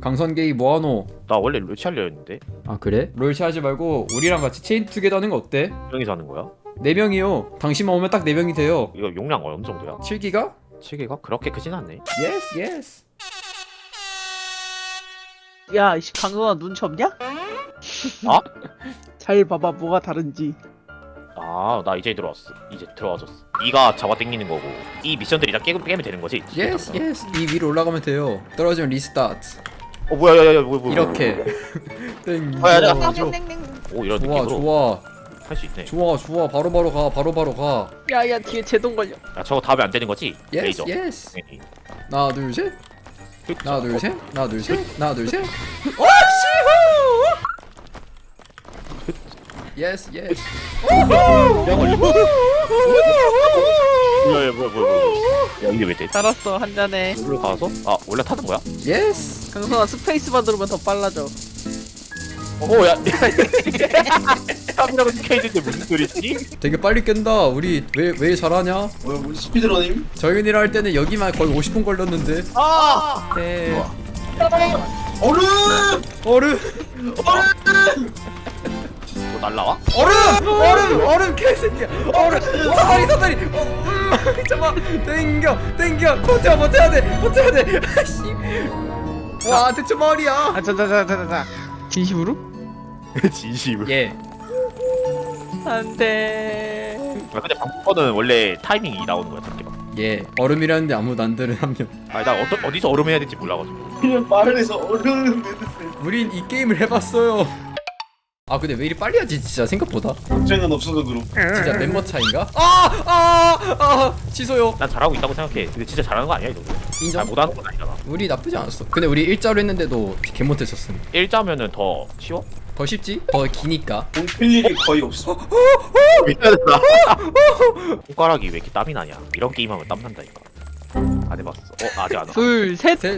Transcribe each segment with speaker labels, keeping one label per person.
Speaker 1: 강선게이 뭐하노?
Speaker 2: 나 원래 롤치 하려 했는데.
Speaker 1: 아 그래? 롤치 하지 말고 우리랑 같이 체인 투게더 하는 거 어때?
Speaker 2: 명이 사는 거야?
Speaker 1: 4명이요. 당신만 오면 딱 4명이 돼요.
Speaker 2: 이거 용량 어느 정도야?
Speaker 1: 7기가?
Speaker 2: 7개가 그렇게 크진 않네.
Speaker 1: 예스 예스.
Speaker 3: 야, 이씨 강선아 눈치 없냐?
Speaker 2: 아?
Speaker 3: 잘 봐봐 뭐가 다른지.
Speaker 2: 아, 나 이제 들어왔어. 이제 들어와줬어. 네가 잡아 당기는 거고 이 미션들이 다 깨면 되는 거지?
Speaker 1: 예스 예스. 이 위로 올라가면 돼요. 떨어지면 리스타트.
Speaker 2: 어 뭐야 야야야 뭐야
Speaker 1: 이렇게.
Speaker 2: 야, 야.
Speaker 1: 땡겨.
Speaker 2: 오 이런
Speaker 1: 좋아
Speaker 2: 느낌으로
Speaker 1: 좋아
Speaker 2: 할 수 있네.
Speaker 1: 좋아 좋아. 바로바로 가. 바로바로 가.
Speaker 3: 야야 뒤에 제동 걸려.
Speaker 2: 야 저거 답이 안 되는 거지?
Speaker 1: 예스
Speaker 2: 레이저.
Speaker 1: 예스.
Speaker 2: 네.
Speaker 1: 하나 둘 셋. 하나 둘 셋. 하나 둘 셋. 하나 둘 셋. 오씨후. 예스 예스.
Speaker 2: 야 걸리고. 뭐야. 야 이게 왜 돼?
Speaker 3: 알았어 한 잔에.
Speaker 2: 물로 가서? 아 원래 타는 거야?
Speaker 1: 예스.
Speaker 3: 강선아 스페이스바 누르면 더 빨라져.
Speaker 2: 오야. 탑이라고 스케이트인데 무슨 소리지?
Speaker 1: 되게 빨리 깬다. 우리 왜 잘하냐?
Speaker 4: 뭐야 우리 스피드러닝?
Speaker 1: 저희랑 할 때는 여기만 거의 50분 걸렸는데.
Speaker 2: 아!
Speaker 3: 네.
Speaker 4: 얼음!
Speaker 1: 얼음
Speaker 2: 뭐 날라와?
Speaker 1: 얼음 개새끼야. 얼음 사다리. 잠깐 땡겨 버텨야 돼. 아씨. 와 대체 머리야.
Speaker 3: 아 자자자자자. 진심으로?
Speaker 2: 진심을.
Speaker 1: 예.
Speaker 3: 안돼.
Speaker 2: 아 근데 방법은 원래 타이밍이 나오는 거야 저렇게 막.
Speaker 1: 예. 얼음이라는데 아무도 안 들은 한 명.
Speaker 2: 아니 나 어디서 얼음해야 될지 몰라가지고.
Speaker 4: 그냥 마을에서 얼음을 내드세요.
Speaker 1: 우린 이 게임을 해봤어요. 아 근데 왜 이리 빨리 하지 진짜 생각보다.
Speaker 4: 걱정은 없어도 그럼.
Speaker 1: 진짜 멤버 차인가? 취소요.
Speaker 2: 난 잘하고 있다고 생각해. 근데 진짜 잘하는 거 아니야 이거?
Speaker 1: 인정.
Speaker 2: 잘 못하는 건 아니잖아.
Speaker 1: 우리 나쁘지 않았어. 근데 우리 일자로 했는데도 개 못했었음.
Speaker 2: 일자면은 더 쉬워?
Speaker 1: 더 쉽지? 더 기니까.
Speaker 4: 공필 일이 거의 없어.
Speaker 2: 미안하다. 손가락이 왜 이렇게 땀이 나냐? 이런 게임하면 땀 난다니까. 안 해봤어. 아직 안 와.
Speaker 3: 둘 셋.
Speaker 1: 셋.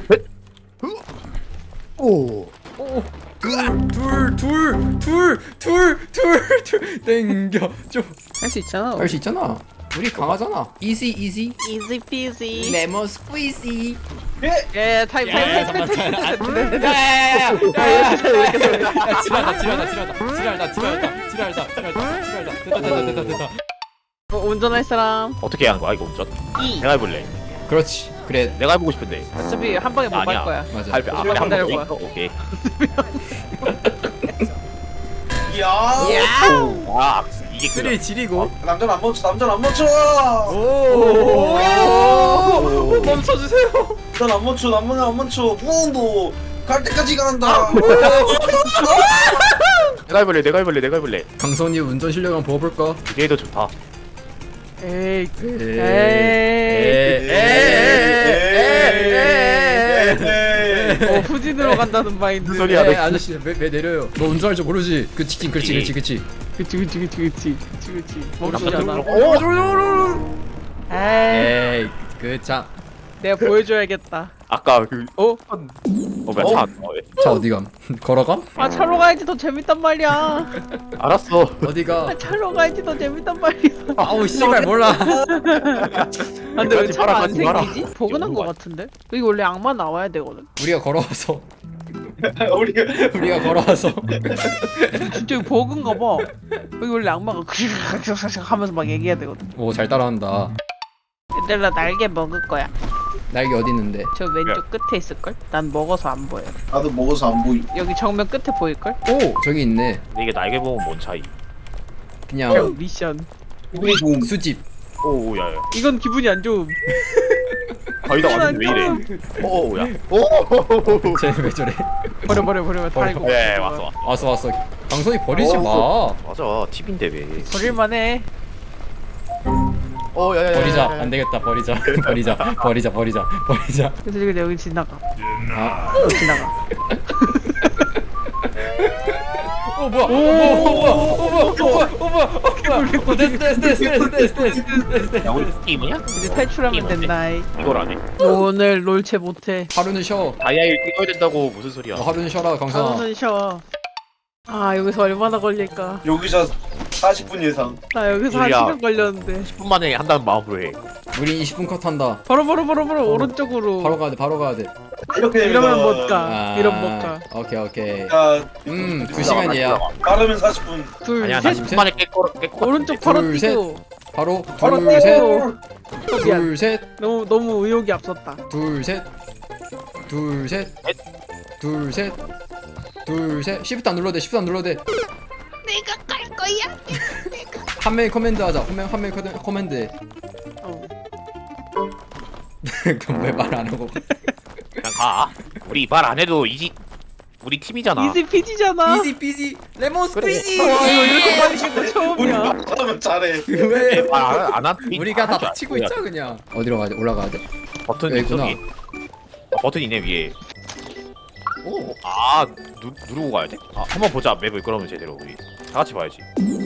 Speaker 2: 오.
Speaker 1: 오. 둘 땡겨 줘.
Speaker 3: 할 수 있잖아.
Speaker 1: 할 수 있잖아. 우리 강하잖아. 이지.
Speaker 3: 이지 피지.
Speaker 1: 레몬 스퀴지.
Speaker 3: 예 타임.
Speaker 1: 됐다.
Speaker 3: 운전할 사람.
Speaker 2: 어떻게 해야 하는 거야 이거 운전?
Speaker 3: 이.
Speaker 2: 내가 해볼래.
Speaker 1: 그렇지. 그래.
Speaker 2: 내가 해보고 싶은데.
Speaker 3: 어차피 한 방에 못 갈
Speaker 2: 아니야.
Speaker 3: 거야.
Speaker 1: 맞아.
Speaker 2: 할 때
Speaker 3: 조금만
Speaker 2: 앞에 한번
Speaker 3: 기다려봐.
Speaker 2: 더 있어? 오케이.
Speaker 4: 이야.
Speaker 2: 아 이게
Speaker 1: 쓰리
Speaker 2: 그래.
Speaker 1: 지리고.
Speaker 4: 남자는 안 멈춰. 남자는 안 멈춰.
Speaker 1: 오. 멈춰주세요.
Speaker 4: 남자는 안 멈춰. 남자는 안 멈춰. 부엉도 갈 때까지 간다.
Speaker 2: 내가 해볼래.
Speaker 1: 강선이 운전 실력 한번 보여볼까?
Speaker 2: 이게 더 좋다.
Speaker 3: 에이. 후진으로 간다는 마인드.
Speaker 2: 무슨 소리야?
Speaker 1: 아저씨 왜 내려요? 너 운전할 줄 모르지? 그 직진 그렇지.
Speaker 3: 그치. 멈추잖아. 에이.
Speaker 1: 에이 그자
Speaker 3: 내가 보여줘야겠다.
Speaker 2: 아까 그
Speaker 3: 어?
Speaker 2: 뭐야 차. 왜?
Speaker 1: 차 어디감? 걸어감?
Speaker 3: 아 차로 가야지 더 재밌단 말이야.
Speaker 2: 알았어.
Speaker 1: 어디가?
Speaker 3: 아 차로 가야지 더 재밌단 말이야.
Speaker 1: 아우 씨발 몰라.
Speaker 3: 아, 근데 왜
Speaker 2: 가지
Speaker 3: 차가
Speaker 2: 마라,
Speaker 3: 안
Speaker 2: 가지 마라.
Speaker 3: 생기지? 버그난 거 같은데? 여기 원래 악마 나와야 되거든.
Speaker 1: 우리가 걸어와서
Speaker 4: 우리가
Speaker 1: 걸어와서
Speaker 3: 진짜 이거 버그인가 봐. 여기 원래 악마가 하면서 막 얘기해야 되거든.
Speaker 1: 오 잘 따라한다.
Speaker 3: 얘들아 날개 먹을 거야.
Speaker 1: 날개 어디 있는데?
Speaker 3: 저 왼쪽 끝에 있을걸? 난 먹어서 안 보여.
Speaker 4: 나도 먹어서 안 보이.
Speaker 3: 여기 정면 끝에 보일걸?
Speaker 1: 오 저기 있네.
Speaker 2: 근데 이게 날개 보면 뭔 차이?
Speaker 1: 그냥
Speaker 3: 미션.
Speaker 4: 기분이 좋은.
Speaker 1: 수집.
Speaker 2: 오 야야.
Speaker 3: 이건 기분이 안 좋음.
Speaker 2: 거의다 왔는데 왜 이래? 오야.
Speaker 1: 쟤왜 저래?
Speaker 3: 버려 다리고.
Speaker 2: 예 왔어.
Speaker 1: 왔어. 강선이 버리지 마.
Speaker 2: 맞아 팁인데 왜?
Speaker 3: 버릴만해.
Speaker 2: 야야야.
Speaker 1: 버리자. 안 되겠다. 버리자.
Speaker 3: 근데 여기 지나가.
Speaker 1: 아.
Speaker 3: 지나가.
Speaker 1: 뭐야? 됐어.
Speaker 2: 야 우리 게임이냐?
Speaker 3: 이제 탈출하면 된다.
Speaker 2: 이걸 안 해.
Speaker 3: 오늘 롤체 못해.
Speaker 1: 하루는 쉬어.
Speaker 2: 다이아일 찍어야 된다고 무슨 소리야?
Speaker 1: 하루는 쉬어라 강선아.
Speaker 3: 하루는 쉬어. 아 여기서 얼마나 걸릴까?
Speaker 4: 여기서 40분 예상.
Speaker 3: 나 여기서 한
Speaker 2: 줄이야.
Speaker 3: 시간 걸렸는데.
Speaker 2: 10분 만에 한다는 마음으로 해.
Speaker 1: 우리 20분 컷 한다.
Speaker 3: 바로 오른쪽으로.
Speaker 1: 바로 가야 돼. 바로 가야 돼.
Speaker 4: 이렇게
Speaker 3: 이러면 못
Speaker 4: 되면
Speaker 3: 가. 이러면 못 가.
Speaker 1: 오케이 오케이.
Speaker 4: 야,
Speaker 1: 2시간이야.
Speaker 4: 빠르면 40분.
Speaker 3: 둘,
Speaker 2: 아니야 나
Speaker 3: 셋.
Speaker 2: 10분 만에 깰거
Speaker 3: 오른쪽 바로
Speaker 1: 둘, 셋.
Speaker 3: 뛰고.
Speaker 1: 바로
Speaker 4: 바로
Speaker 1: 둘 셋.
Speaker 3: 미안.
Speaker 1: 둘 셋.
Speaker 3: 너무 의욕이 앞섰다.
Speaker 1: 둘 셋. 둘 셋. 둘 셋. 둘 셋. 시프트 안 눌러도 돼. 시프트 안 눌러도 돼.
Speaker 3: 내가 갈 거야.
Speaker 1: 한 명이 커맨드 하자. 한 명이 커맨드 해.
Speaker 3: 어.
Speaker 1: 그럼 왜 말 안 하고?
Speaker 2: 그냥 가. 우리 말 안 해도 우리 팀이잖아.
Speaker 3: 이지 피지잖아.
Speaker 1: 이지 피지 레몬
Speaker 2: 그래.
Speaker 1: 스퀴지.
Speaker 3: 와 이거 이렇게 빨리 치고
Speaker 4: 우리
Speaker 3: 처음이야.
Speaker 4: 말하면 잘해.
Speaker 1: 왜?
Speaker 2: 말안
Speaker 1: 우리가 다 치고 있자 그냥. 어디로 가야 돼? 올라가야 돼?
Speaker 2: 버튼
Speaker 1: 여기구나.
Speaker 2: 저기. 버튼 있네 위에.
Speaker 1: 오.
Speaker 2: 누르고 가야 돼? 한번 보자 맵을 그러면 제대로 우리 다 같이 봐야지.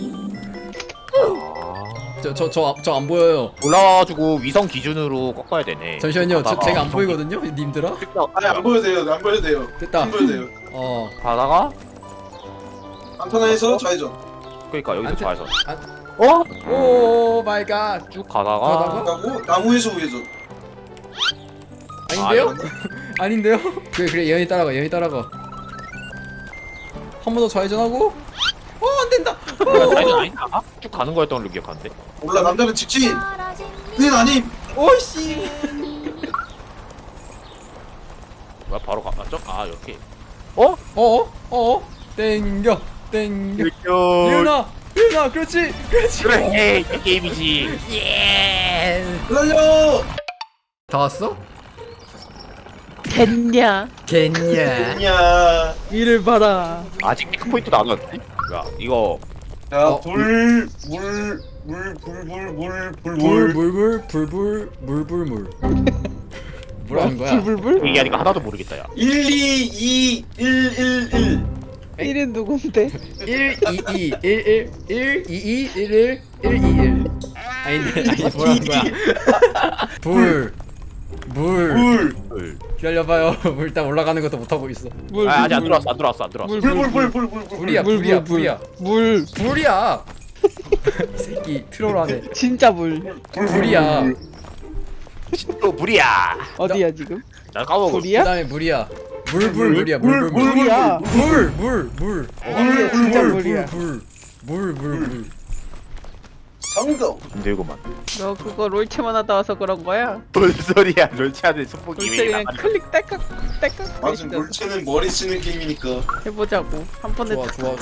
Speaker 1: 저 안 보여요.
Speaker 2: 올라와가지고 위성 기준으로 꺾어야 되네.
Speaker 1: 잠시만요.
Speaker 2: 가다가
Speaker 1: 제가 안 보이거든요, 님들아.
Speaker 4: 아니 안 보여도 돼요. 안 보여도 돼요.
Speaker 1: 됐다.
Speaker 4: 안 보여도 돼요.
Speaker 2: 가다가
Speaker 4: 한편에서 좌회전.
Speaker 2: 그러니까 여기서
Speaker 1: 안 돼.
Speaker 2: 좌회전.
Speaker 1: 어? 오 마이 갓.
Speaker 2: 쭉 가다가
Speaker 4: 가고 나무에서 우회전.
Speaker 1: 아닌데요? 아닌데요? 그래 예언이 따라가. 한 번 더 좌회전하고. 안 된다.
Speaker 2: 좌회전 아닌가? 쭉 가는 거였던 걸로 기억하는데.
Speaker 4: 몰라 남자는 직진. 그게 아님.
Speaker 1: 오씨.
Speaker 2: 뭐야 바로 이렇게.
Speaker 1: 땡겨. 예은아, 그렇지.
Speaker 2: 그래 이 게임이지.
Speaker 4: 달려.
Speaker 1: 다 왔어?
Speaker 3: 됐냐?
Speaker 1: 겠냐?
Speaker 4: 야.
Speaker 3: 위를 봐라.
Speaker 2: 아직 체크포인트도 안 왔네. 뭐야 이거
Speaker 4: 야,
Speaker 1: 어.
Speaker 4: 불.
Speaker 1: 불불불불불불불불. 뭐라는 거야?
Speaker 3: 불불불?
Speaker 2: 얘기하니까 하나도 모르겠다 야.
Speaker 4: 1, 2, 2, 1, 1, 1.
Speaker 3: 1은 누군데?
Speaker 1: 1 2 2 1 1 1 2 2 1 1 1 2 1. 아니 뭐라는 거야? 불.
Speaker 4: 불.
Speaker 1: 기다려봐요. 일단 올라가는 것도 못 하고 있어.
Speaker 3: 물.
Speaker 2: 아직 안 들어왔어.
Speaker 4: 불.
Speaker 1: 불이야.
Speaker 3: 물.
Speaker 1: 불이야. 이 새끼 트롤하네.
Speaker 3: 진짜 물.
Speaker 1: 불이야.
Speaker 2: 또 물이야.
Speaker 3: 어디야 지금?
Speaker 2: 나 까먹어.
Speaker 3: 불이야?
Speaker 1: 그다음에 물이야. 물이야.
Speaker 3: 물이야.
Speaker 1: 물.
Speaker 3: 어디야 진짜 물이야.
Speaker 1: 물.
Speaker 4: 성공.
Speaker 2: 힘들구만.
Speaker 3: 너 그거 롤체만 하다 와서 그런 거야?
Speaker 2: 뭔 소리야? 롤치하는 손목이
Speaker 3: 롤체
Speaker 2: 왜
Speaker 3: 그냥
Speaker 2: 나가는
Speaker 3: 클릭 딸깍
Speaker 4: 맞아, 물체는 머리 쓰는 게임이니까.
Speaker 3: 해보자고. 한 번에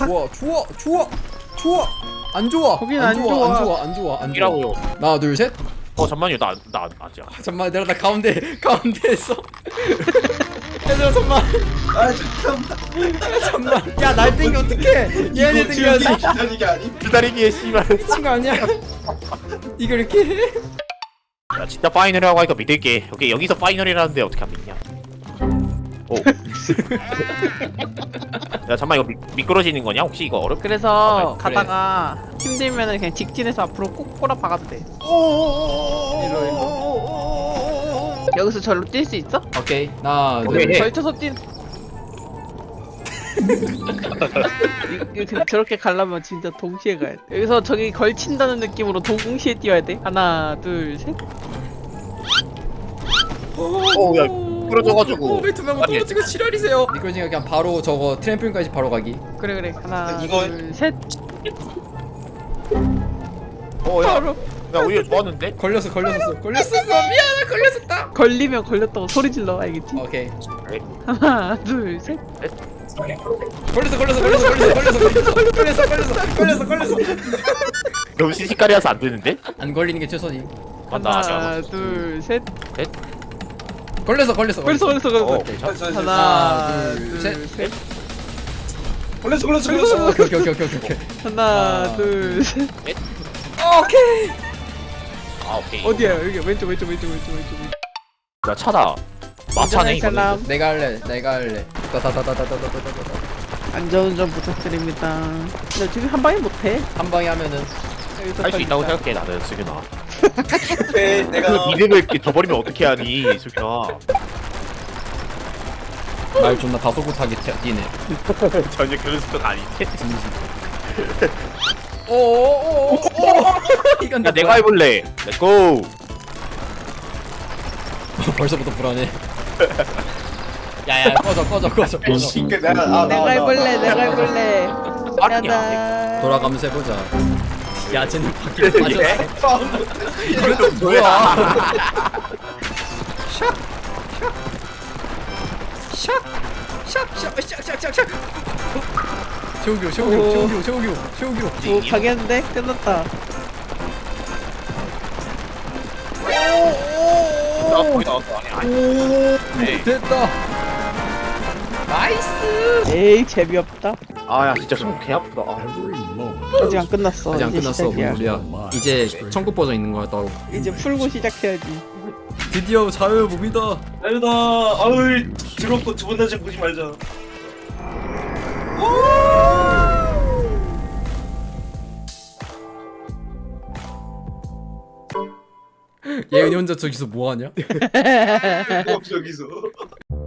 Speaker 1: 좋아. 안 좋아.
Speaker 3: 거긴 안 좋아.
Speaker 1: 안 좋아.
Speaker 2: 이라고요.
Speaker 1: 하나, 둘, 셋.
Speaker 2: 잠만요. 나 아직.
Speaker 1: 잠만 내가 나 가운데에서. 얘들아 잠만.
Speaker 4: 아 잠깐만.
Speaker 1: 야 날 땡기 어떡해. 얘네 땡겨야지.
Speaker 4: 기다리기 아니?
Speaker 2: 기다리기에 씨발.
Speaker 1: 미친 거 아니야? 이걸 이렇게 해?
Speaker 2: 야 진짜 파이널이라고 하니까 믿을게. 오케이 여기서 파이널이라는데 어떻게 안 믿냐? 오. 야 잠만 이거 미끄러지는 거냐? 혹시 이거 어렵?
Speaker 3: 그래서
Speaker 1: 그래.
Speaker 3: 가다가 힘들면은 그냥 직진해서 앞으로 꼭 꼬라 박아도 돼. 여기서 절로 뛸 수 있어?
Speaker 1: 오케이. 하나,
Speaker 2: 오케이.
Speaker 1: 둘.
Speaker 2: 네.
Speaker 3: 걸쳐서 뛴. 저렇게 가려면 진짜 동시에 가야 돼. 여기서 저기 걸친다는 느낌으로 동시에 뛰어야 돼. 하나, 둘, 셋.
Speaker 2: 야 미끄러져가지고.
Speaker 1: 왜 두 명 떨어지고 지랄이세요? 미끄러지니까 그냥 바로 저거 트램플린까지 바로 가기.
Speaker 3: 그래. 하나,
Speaker 4: 이거-
Speaker 3: 둘, 셋.
Speaker 2: 야
Speaker 3: 바로
Speaker 2: 오히려 좋았는데?
Speaker 1: 걸렸어. 미안해 걸렸었다.
Speaker 3: 걸리면 걸렸다고 소리 질러 알겠지?
Speaker 1: 오케이.
Speaker 3: 하나, 둘, 셋.
Speaker 1: 걸렸어.
Speaker 2: 너무 시시까리라서 안 되는데?
Speaker 1: 안 걸리는 게 최선임.
Speaker 2: 맞다.
Speaker 3: 하나, 둘, 셋.
Speaker 1: 걸렸어.
Speaker 3: 걸렸어.
Speaker 2: 괜찮아.
Speaker 3: 하나,
Speaker 1: 둘,
Speaker 3: 둘,
Speaker 1: 셋.
Speaker 3: 셋.
Speaker 4: 걸렸어.
Speaker 1: 오케이.
Speaker 3: 하나, 둘, 셋.
Speaker 1: 오케이.
Speaker 2: 오케이.
Speaker 3: 어디야? 여기 왼쪽.
Speaker 2: 야 차다. 마차네 이거.
Speaker 3: 사람.
Speaker 1: 내가 할래. 따다다다다다다다다.
Speaker 3: 안전운전 부탁드립니다. 근데 지금 한 방에 못해.
Speaker 1: 한 방에 하면은
Speaker 2: 할 수 있다고 생각해 나는 수균아.
Speaker 4: 오케이,
Speaker 2: 그
Speaker 4: 내가
Speaker 2: 믿음을 이렇게 저버리면 어떻게 하니 수균아.
Speaker 1: 말 존나 다소곳하게 뛰네.
Speaker 2: 전혀 그런 수준 아닌데.
Speaker 1: 오오오오 이건
Speaker 2: 야 내가 해볼래. 렛고.
Speaker 1: 벌써부터 불안해. 야야 꺼져.
Speaker 4: 이게 내가
Speaker 3: 내가 해볼래 내가 해볼래.
Speaker 2: 아니야.
Speaker 3: 야다.
Speaker 1: 돌아가면서 해보자. 야 쟤는 바퀴를 빠졌어.
Speaker 2: 예?
Speaker 1: 이것도 뭐야? 샥. 최우규.
Speaker 3: 오 가겠는데 끝났다.
Speaker 2: 나 거의 나왔어. 아니. 네.
Speaker 1: 됐다. 나이스.
Speaker 3: 에이 재미없다.
Speaker 2: 아야 진짜 손 개 아프다. 아.
Speaker 3: 아직 안 끝났어.
Speaker 1: 아직 안
Speaker 3: 이제
Speaker 1: 끝났어.
Speaker 3: 시작이야.
Speaker 1: 뭔 소리야? 이제 천국 버전 있는 거야 따로.
Speaker 3: 이제 풀고 시작해야지.
Speaker 1: 드디어 자유의 몸이다.
Speaker 4: 아유다. 아유 더럽고 두 번 다시 보지 말자.
Speaker 1: 예은이 혼자 저기서 뭐 하냐?
Speaker 4: 저기서.